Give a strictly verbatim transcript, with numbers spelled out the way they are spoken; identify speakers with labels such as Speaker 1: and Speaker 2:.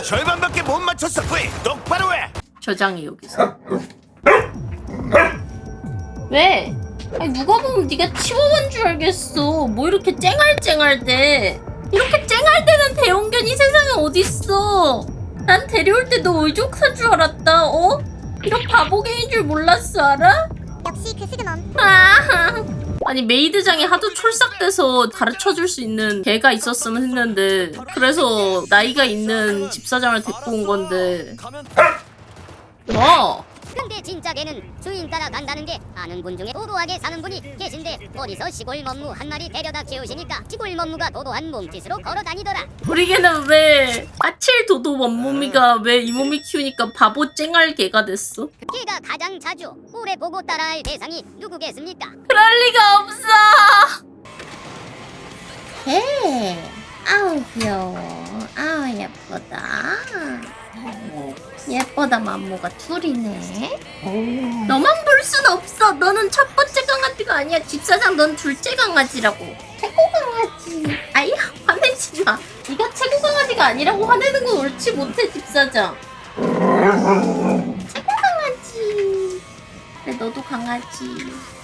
Speaker 1: 절반밖에 못 맞췄어. 뿌이 똑바로 해.
Speaker 2: 저장해 여기서. 왜? 아니 누가 보면 네가 치워본 줄 알겠어. 뭐 이렇게 쨍알쨍알대. 이렇게 쨍알대는 대형견이 세상에 어딨어. 난 데려올 때 너 의족한 줄 알았다. 어? 이런 바보개인 줄 몰랐어 알아?
Speaker 3: 역시 그 스그멈.
Speaker 2: 아. 아니 메이드장에 하도 촐싹대서 가르쳐줄 수 있는 개가 있었으면 했는데 그래서 나이가 있는 집사장을 데리고 온 건데 뭐?
Speaker 3: 근데 진짜 개는 주인 따라 간다는 게 아는 분 중에 도도하게 사는 분이 계신데 어디서 시골 멈무 한 마리 데려다 키우시니까 시골 멈무가 도도한 몸짓으로 걸어 다니더라.
Speaker 2: 우리 개는 왜 아칠 도도 원몸이가 왜 이 몸이 키우니까 바보 쨍알 개가 됐어?
Speaker 3: 개가 가장 자주 오래 보고 따라할 대상이 누구겠습니까?
Speaker 2: 그럴 리가 없어. 개. 아우 귀여워. 아우 예쁘다. 예쁘다 맘모가 둘이네. 너만 볼 순 없어. 너는 첫 번째 강아지가 아니야. 집사장 넌 둘째 강아지라고. 최고 강아지. 아이 화내지 마. 네가 최고 강아지가 아니라고 화내는 건 옳지 못해 집사장. 최고 강아지. 그래 너도 강아지.